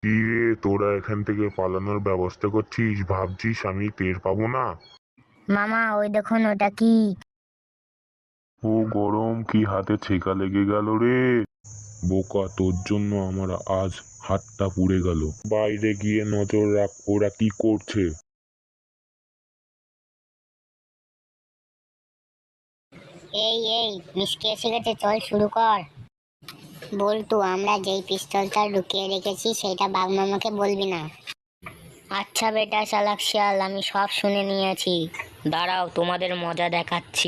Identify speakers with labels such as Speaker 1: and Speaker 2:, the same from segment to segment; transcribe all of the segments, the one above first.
Speaker 1: কি রে, তোরা এখান থেকে পালানোর ব্যবস্থা করছিস? ভাবছিস আমি টের পাবো না?
Speaker 2: মামা ওই দেখুন ওটা কি?
Speaker 1: ও গরম, কি হাতে ছেঁকা লেগে গেল রে। বোকা, তোর জন্য আমার আজ হাতটা পুড়ে গেল। বাইরে গিয়ে নজর রাখ ওরা কি করছে।
Speaker 2: এই মিসকে এসে গেছে, চল শুরু কর। বল্টু, আমরা যেই পিস্তলটা লুকিয়ে রেখেছি সেটা বাঘমামাকে বলবি না। আচ্ছা বেটা চালাক শিয়াল, আমি সব শুনে নিয়েছি। দাঁড়াও, তোমাদের মজা দেখাচ্ছি।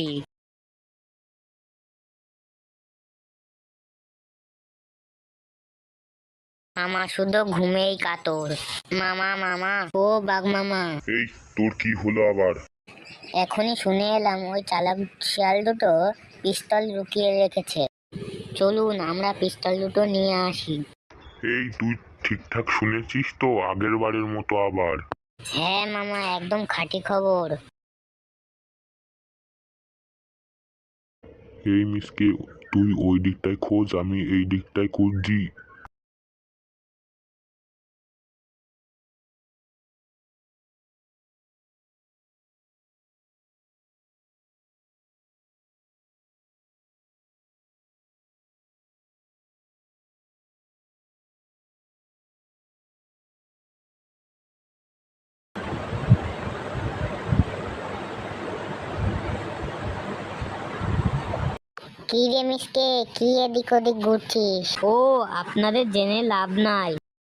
Speaker 2: মামা শুধু ঘুমেই কাতর। মামা মামা, ও বাঘ মামা।
Speaker 1: এই, তোর কি হলো আবার?
Speaker 2: এখনই শুনে এলাম ওই চালাক শিয়াল দুটো পিস্তল লুকিয়ে রেখেছে। চলুন আমরা পিস্তল দুটো নিয়ে আসি।
Speaker 1: এই, তুই ঠিকঠাক শুনেছিস তো? আগের বারের মতো আবার?
Speaker 2: হ্যাঁ মামা, একদম খাঁটি খবর।
Speaker 1: এই মিসকে, তুই ওই দিকটায় খোঁজ, আমি এই দিকটায় খুঁজছি।
Speaker 2: কি রে মিসকে, কি এদিক ওদিক ঘুরছিস? ও, আপনাদের জেনে লাভ নাই।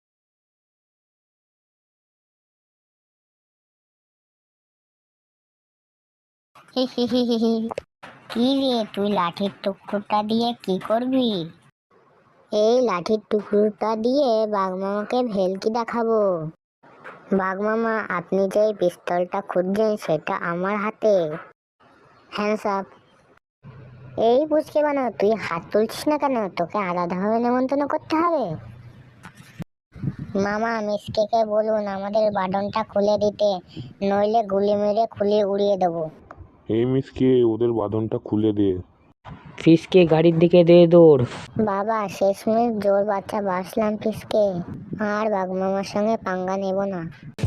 Speaker 2: কি রে, তুই লাঠির টুকরোটা দিয়ে কি করবি? এই লাঠির টুকরোটা দিয়ে বাঘমামাকে ভেলকি দেখাবো। বাঘমামা, আপনি যে পিস্তলটা খুঁজছেন সেটা আমার হাতে। Hands up. এই বুঝকে বানো, তুই হাত তুলছিস না কেন? তোকে আলাদাভাবে নেমন্তন্ন করতে হবে। মামা, মিসকেকে বলুন আমাদের বাঁধনটা খুলে দিতে, নইলে গুলি মেরে খুলে উড়িয়ে দেবো।
Speaker 1: এই মিসকে, ওদের বাঁধনটা খুলে দে।
Speaker 3: ফিসকে গাড়ির দিকে দে দৌড়।
Speaker 2: বাবা, শেষমেশ জোর বাচ্চা বাঁচলাম ফিসকে। আর বাঘমামার সঙ্গে পাঙ্গা নেব না।